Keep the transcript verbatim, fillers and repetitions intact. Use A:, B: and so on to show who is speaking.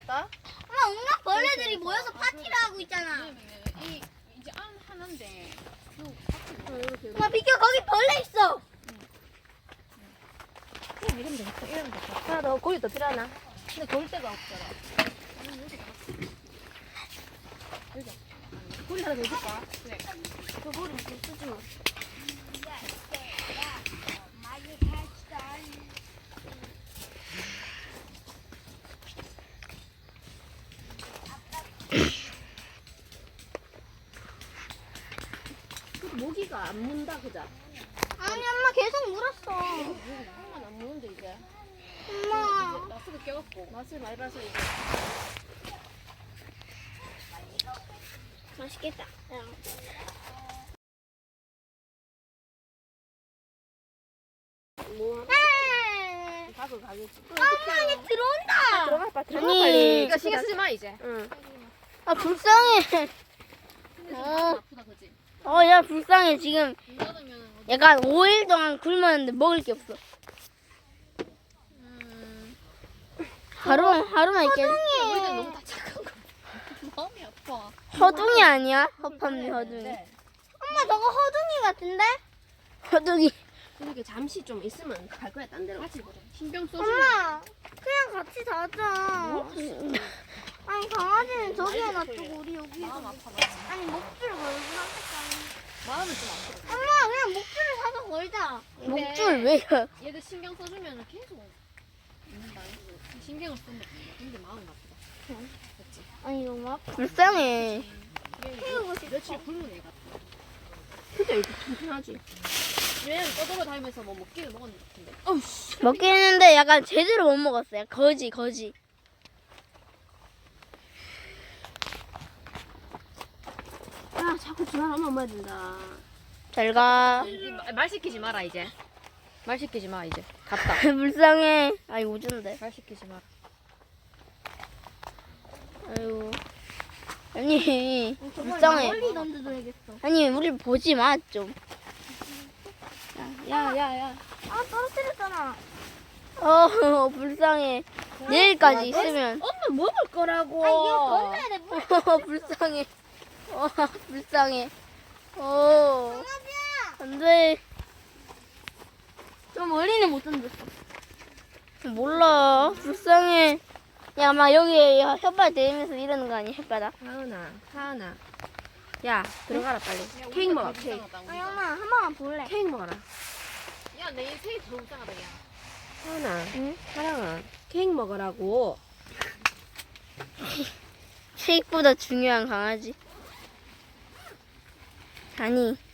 A: 없다?
B: 엄마 온갖 벌레들이 모여서 파티를 하고 있잖아.
C: 이 이제 안 하는데.
B: 엄마 비켜 거기 벌레 있어.
A: 그냥 이러면 되겠다. 이러면 되겠다. 하나 더 고기 더 필요하나? 근데 고일 데가 없잖아. 고기 하나 더 줄까?
C: 그래.
A: 저 고기 좀 쓰지 마. 모기가 안 문다 그자?
B: 아니 엄마 계속 물었어.
A: 한번 안 무는데 이제.
B: 엄마.
C: 마스크 껴갖고.
A: 맛을 많이 봐서 이제.
B: 맛있겠다.
A: 뭐
B: 아,
A: 가고 가겠지.
B: 엄마 이제 들어온다.
A: 들어가 봐. 들어가
B: 아니,
A: 빨리.
C: 이거 신경 쓰지 마 이제.
A: 응.
B: 아 불쌍해.
C: 근데 좀
B: 어.
C: 아프다 그지?
B: 어, 야 불쌍해 지금.
C: 눈 닫으면 어디?
B: 약간 오 일 동안 굶었는데 먹을 게 없어.
C: 음.
B: 하루 하루만 있겠.
C: 우리가 너무 다 착한 거. 마음이 아파.
B: 허둥이 아니야? 허팝니 허둥이.
A: 네.
B: 엄마 저거 허둥이 같은데? 허둥이.
A: 그러게 잠시 좀 있으면 갈 거야 딴 데로.
C: 같이 보자. 신경 써주.
B: 엄마 그냥 같이 자자. 아니 강아지는 저기에 놔두고 우리 여기.
C: 마음 아파. 마음.
B: 아니 목줄 걸고 하겠다.
C: 마음은 좀 아파.
B: 엄마 그냥 목줄을 사서 걸자.
C: 근데
B: 목줄 왜요?
C: 얘들 신경 써주면 계속 있는다. 신경을 쓰면 근데 마음이 아프다. 그렇지.
B: 아니 너무 아파. 불쌍해.
C: 태우고 싶어. 며칠 굶은 애 같아.
A: 근데 이렇게 튼튼하지.
C: 얘는 떠돌아 다니면서 뭐 먹기를 먹었는 것 같은데.
A: 어우씨.
B: 먹긴 했는데 약간 제대로 못 먹었어요. 거지 거지.
A: 아 자꾸 전화하면 엄마 된다.
B: 잘 가.
C: 말 시키지 마라 이제. 말 시키지 마 이제. 갔다.
B: 불쌍해. 아이 오준데.
C: 말 시키지 마라.
B: 아유. 아니 불쌍해.
A: 멀리
B: 던져줘야겠어. 아니 우리 보지 마 좀.
A: 야야야.
B: 아 떨어뜨렸잖아. 어 불쌍해. 내일까지 있으면.
A: 엄마 먹을 거라고.
B: 아 이거 건너야 돼. 물.
A: 어,
B: 불쌍해. 어 불쌍해. 어. 안돼.
A: 좀 멀리는 못 던졌어.
B: 몰라. 불쌍해. 야, 막 여기에 혓바닥 대면서 이러는 거 아니야, 혓바닥?
A: 하은아, 하은아. 야, 들어가라 빨리. 케이크 먹어, 케이크.
B: 아니, 엄마, 한 번만 볼래?
A: 케이크 먹어라.
C: 야, 내 인생이 더 불쌍하다, 야.
A: 하은아,
B: 응?
A: 사랑아, 케이크 먹으라고.
B: 쉐이크보다 중요한 강아지. 아니,